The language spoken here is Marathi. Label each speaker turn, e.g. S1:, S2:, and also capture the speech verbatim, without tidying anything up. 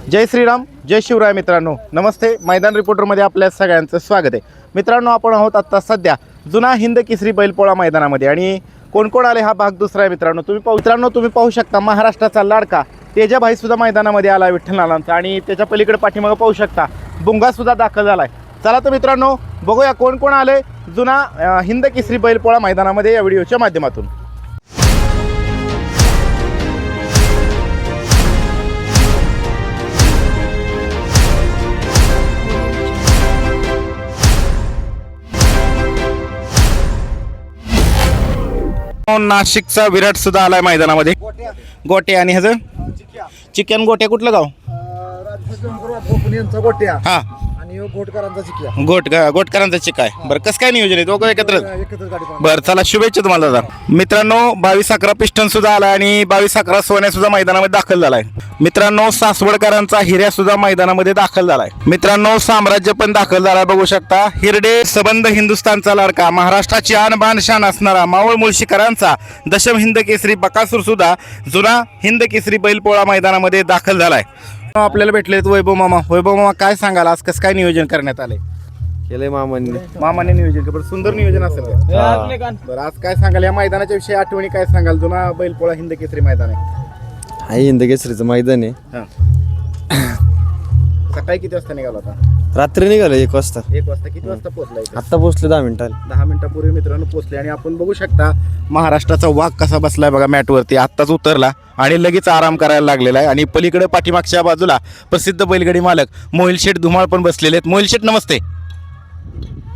S1: जय श्रीराम, जय शिवराय. मित्रांनो नमस्ते. मैदान रिपोर्टरमध्ये आपल्या सगळ्यांचं स्वागत आहे. मित्रांनो आपण आहोत आत्ता सध्या जुना हिंद केसरी बैलपोळा मैदानामध्ये आणि कोण कोण आले हा भाग दुसरा आहे. मित्रांनो तुम्ही पाहू मित्रांनो तुम्ही पाहू शकता महाराष्ट्राचा लाडका तेजाभाई सुद्धा मैदानामध्ये आला विठ्ठलनाथांचा आणि त्याच्या पलीकडे पाठीमागं पाहू शकता बुंगा सुद्धा दाखल झाला आहे. चला तर मित्रांनो बघूया कोण कोण आले जुना अ, हिंद केसरी बैलपोळा मैदानामध्ये या व्हिडिओच्या माध्यमातून. नाशिकचा विराट सुद्धा आलाय मैदानामध्ये. गोटे आणि ह्याचं चिकन गोटे कुठलं गाव?
S2: गोट्या
S1: हा
S2: आणि घोटकरांचा चिकिया
S1: गोट गोटकरांचा चिका आहे. बरं कसं काय नियोजन आहे दोघं एकत्र?
S2: एकत्रच गाडी पाहणार.
S1: बरं चला शुभेच्छा तुम्हाला दादा. मित्रांनो बावीस अकरा पिस्टन सुद्धा आला आणि बावीस अकरा सोन्या सुद्धा मैदानामध्ये दाखल झालाय. मित्रांनो सासवडकरांचा हिऱ्या सुद्धा मैदानामध्ये दाखल झालाय. मित्रांनो साम्राज्य पण दाखल झालाय बघू शकता. हिरडे सबंध हिंदुस्थानचा लाडका महाराष्ट्राची आणबाण शान असणारा मावळ मुळशीकरांचा दशम हिंद केसरी बकासूर सुद्धा जुना हिंद केसरी बैलपोळा मैदानामध्ये दाखल झालाय. आपल्याला भेटले वैभव मामा. वैभव मामा काय सांगाल आज कसं काय नियोजन करण्यात आलंय?
S2: केलंय मामांनी.
S1: मामाने नियोजन केलं. सुंदर नियोजन असेल का? बरं आज काय सांगाल या मैदानाच्या विषयी आठवणी काय सांगाल? जुना बैलपोळा हिंद केसरी मैदान आहे.
S2: हाय हिंद केसरीचं मैदान आहे.
S1: हा. सकाळी किती वाजता निघाला होता?
S2: रात्री निघालो एक वाजता.
S1: एक वाजता. किती वाजता पोहोचला इथे?
S2: आत्ता पोहोचलो दहा मिनिटाला.
S1: दहा मिनिटापूर्वी मित्रांनो पोहोचले आणि आपण बघू शकता महाराष्ट्राचा वाघ कसा बसलाय बघा मॅटवरती. आत्ताच उतरला आणि लगेच आराम करायला लागलेला आहे. आणि पलीकडे पाठीमागच्या बाजूला प्रसिद्ध बैलगाडी मालक मोहिल शेठ धुमाळ पण बसलेले आहेत. मोहिल शेठ नमस्ते.